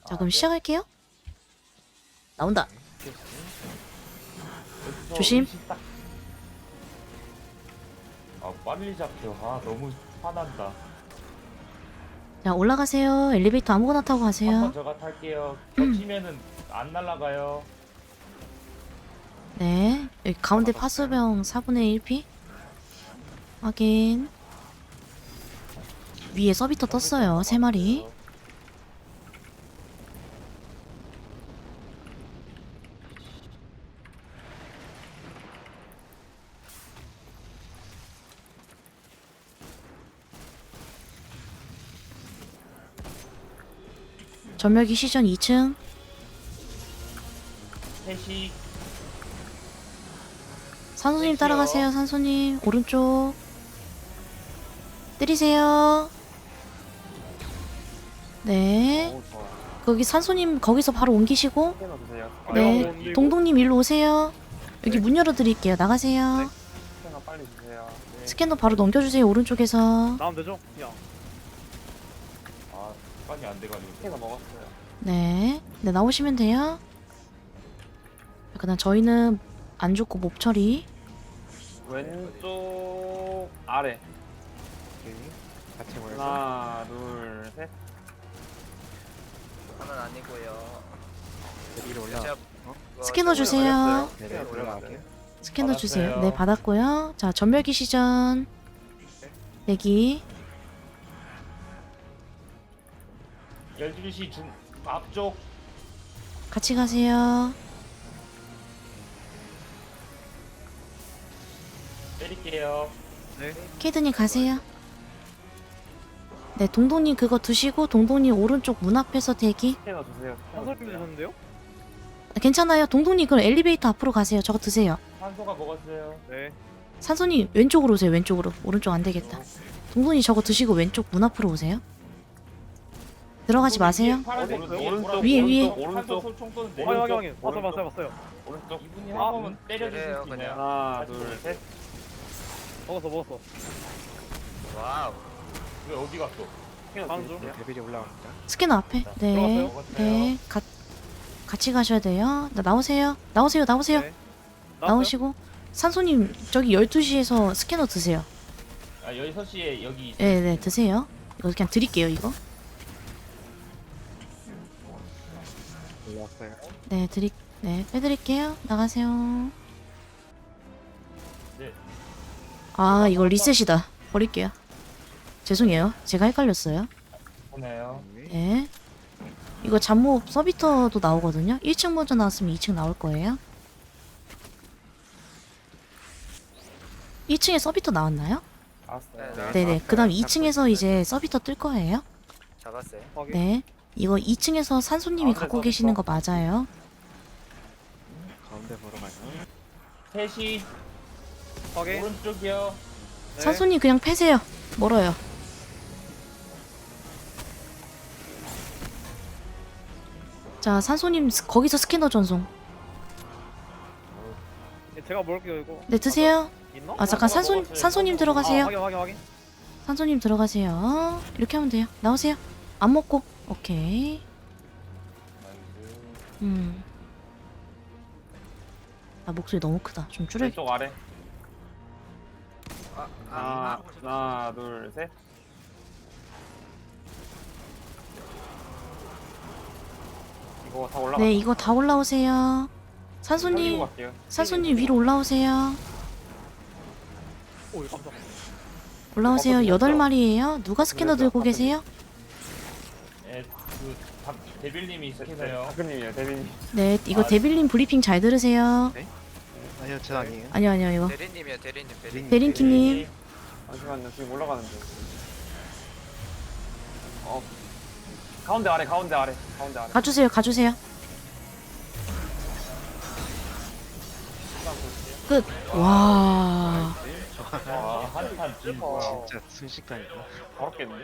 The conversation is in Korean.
자, 그럼 시작할게요. 나온다. 조심. 아 빨리 잡혀. 아 너무 화난다. 자, 올라가세요. 엘리베이터 아무거나 타고 한번 가세요. 저가 탈게요. 겹치면은 안 날아가요. 네. 여기 가운데 파수병 4분의 1피. 확인. 위에 서비터 떴어요. 3마리. 전멸기 시전 2층. 셋이 산소님 따라가세요. 산소님. 오른쪽. 때리세요. 네. 오, 좋아. 거기 산소님 거기서 바로 옮기시고. 스캐너 주세요. 네. 동동님 일로 오세요. 여기 문 열어드릴게요. 나가세요. 네. 스캐너 빨리 주세요. 네. 스캐너 바로 넘겨주세요. 오른쪽에서. 나오면 되죠? 그냥. 아 습관이 안 돼가지고. 스캐너 먹었어요. 네. 네, 나오시면 돼요. 그다음 저희는 안 죽고 몹 처리. 왼쪽 아래. 같이 모여서 하나, 둘, 셋. 저는 아니고요. 위로 올라. 제가 스캐너 저번에 주세요. 네, 스캐너 올라갈게요. 스캐너 주세요. 받았어요. 네, 받았고요. 자, 전멸기 시전. 대기. 12시 중 앞쪽 같이 가세요. 때릴게요. 케이드님 가세요. 네, 동동님 그거 드시고 동동님 오른쪽 문 앞에서 대기. 스캐너 주세요. 스캐너 한솔 주세요. 주셨는데요? 괜찮아요. 동동님 그럼 엘리베이터 앞으로 가세요. 저거 드세요. 산소가 먹었어요. 네. 산소님 왼쪽으로 오세요. 왼쪽으로. 오른쪽 안 되겠다. 동동님 저거 드시고 왼쪽 문 앞으로 오세요. 들어가지 마세요. 파란색 오른쪽, 위에, 위에. 오른쪽 총 쏘는 확인. 봤어요. 오른쪽. 이분이 아, 한 번만 때려주실 그래요, 수 있나요? 하나, 둘, 셋. 먹었어. 와우. 왜 어디 갔어? 스캐너 다음 주세요. 데빌이 올라갑니다. 스캐너 앞에. 네. 네. 같이 가셔야 돼요. 나오세요. 나오세요. 네. 나오시고. 산소님 저기 12시에서 스캐너 드세요. 아 6시에 여기 있어요. 네, 드세요. 이거 그냥 드릴게요, 이거. 올라왔어요. 네, 빼드릴게요. 나가세요. 네. 아, 이거 리셋이다. 버릴게요. 죄송해요. 제가 헷갈렸어요. 보네요. 네. 이거 잠몹 서비터도 나오거든요. 1층 먼저 나왔으면 2층 나올 거예요. 1층에 서비터 나왔나요? 알았어요. 네네. 그 다음 2층에서 이제 서비터 뜰 거예요. 잡았어요. 확인. 네. 이거 2층에서 산소님이 가운데 갖고 서비터. 계시는 거 맞아요. 가운데 보러 가요. 3시 확인. 오른쪽이요. 네. 산소님 그냥 패세요. 멀어요. 자, 산소님 거기서 스캐너 전송. 예, 제가 먹을게요 이거. 네, 드세요. 있나? 아, 잠깐 산소님 들어가세요. 확인. 산소님 들어가세요. 이렇게 하면 돼요. 나오세요. 안 먹고. 오케이. 아, 목소리 너무 크다. 좀 줄여. 왼쪽 아래. 아, 하나, 둘, 셋. 이거 다 올라가. 네, 이거 다 올라오세요. 산소님, 갈게요. 산소님 위로 올라오세요. 오, 깜짝. 올라오세요. 8마리예요. 누가 스캐너 들고 계세요? 예, 데빌님이 스캐너요. 박근님이에요, 대빈님. 네, 이거 아, 데빌님 브리핑 잘 들으세요. 아니요, 저 아니에요. 아니요, 이거. 대리님이요, 대리님. 데린키님. 잠시만요, 지금 올라가는데. 가운데 아래. 가주세요. 끝. 와. 와, 한판 진. 어, 진짜 순식간이다. 바로 깼는데?